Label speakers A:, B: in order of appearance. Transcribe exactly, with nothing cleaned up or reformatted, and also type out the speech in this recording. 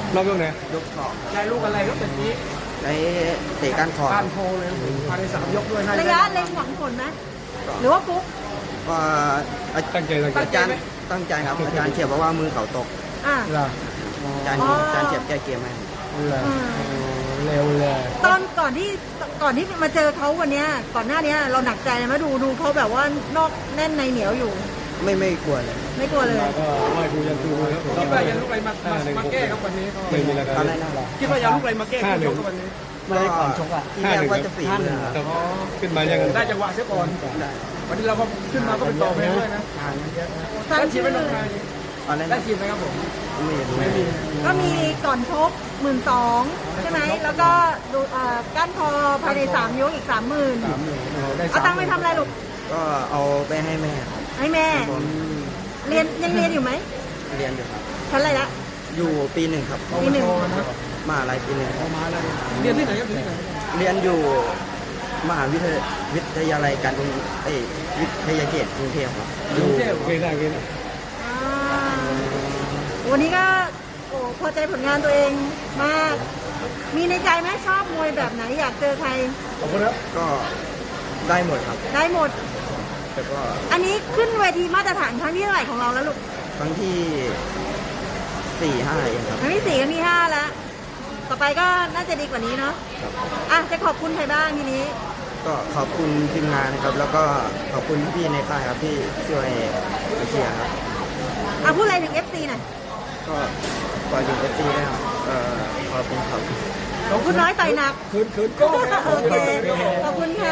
A: รอบยกไหน
B: ยกสอง
C: ได้ลูกอะไรก็เป็นนี้
B: ได้เตะก้านคอ
C: การโทรเลยภายในสามยกด้วย
D: ระยะเล็งหวังผลไหมหรือว่าฟุก
B: ก็อา
A: ตั้งใจตั้งใจ
B: อาจารย์ตั้งใจครับอาจารย์เฉียบบอกว่ามือเขาตก
D: อ่ะ
A: ล่ะ
B: อาจารย์อาจารย์เฉียบแก้เกมให้
A: ล่ะเร็วเลย
D: ตอนก่อนที่ก่อนที่มาเจอเขาวันเนี้ยก่อนหน้านี้เราหนักใจไหมดูดูเขาแบบว่านอกแน่นในเหนียวอยู่
B: ไม่ไม่กลัวเลย
D: ไม่กลัวเลย
A: ก็ไหว้ครูยันครูครับ
C: คิดว่าจะลูกอะไรมามาแก้ครับวันนี้
A: ไม่มีอะไร
B: ตอนแรกน่ารัก
C: คิดว่าจะลูกอะไรมาแก้คู่ชกกับวันนี้
B: ไม่ได้ก่อนชกอ่ะที่แรกว่าจะฝีมือครับ
A: ขึ้นมายัง
C: ได้จังหวะเสียก่อน
B: ได้
C: วันนี้เราก็ขึ้นมาก็เป็นต่อเพลงด้วยนะ
D: สร้าง
C: ได้ที
D: ชื่
C: ม
D: อ
C: ไม่ลงมา
B: ตอนแรก
C: ได้ทีมไหมครับผม
B: ไม่รู้
C: ไม่มี
D: ก็มีก่อนชกหมื่นสองใช่ไหมแล้วก็ดูเอ่อก้านคอภายในสามยกอีกสามหมื่นเอาตังค์ไปทำอะไรลูก
B: ก็เอาไปให้แม่ครับ
D: ให้แม่ เรียนยังเรียนอยู่ไหม
B: เรียนอยู่ครับ
D: ชั้นอะไรละ
B: อยู่ปีหนึ่งครับ
D: ปีหนึ่ง
B: มหาลัยปีหนึ่งครับ
C: มาแล้วเรียนที่ไหนครับที่ไหน
B: เรียนอยู่มหาวิทยาวิทยาลัยการกรุงเอยวิทยาเขตกรุงเทพครับอยู่
A: เกได้เกได้
D: อ่าวันนี้ก็โอ้พอใจผลงานตัวเองมาก มีในใจไหมชอบมวยแบบไหนอยากเจอใคร
C: ขอบคุณครับ
B: ก็ได้หมดครับ
D: ได้หมด
B: แต่ก็
D: อันนี้ขึ้นเวทีมาตรฐานครั้งที่เท่าไหร่ของเราแล้วลูก
B: ครั้งที่สี่ห้าเองครับ
D: ครั้งที่สี่ครั้งที่ห้าแล้ว ต่อไปก็น่าจะดีกว่านี้เนาะ
B: ครับ
D: อ่ะจะขอบคุณใครบ้างทีนี้
B: ก็ขอบคุณทีมงานนะครับ แล้วก็ขอบคุณพี่ๆในค่ายครับที่ช่วยเชียร์ครับ
D: อ่ะพูดอะไรถึง เอฟ ซี หน่อย
B: ก็ก่อนถึงเอฟซีนะครับเอ่อขอบคุณครับ
D: คุณน้อยต่อยหนัก
C: คืนคืนก็
D: โอเค ขอบคุณค่ะ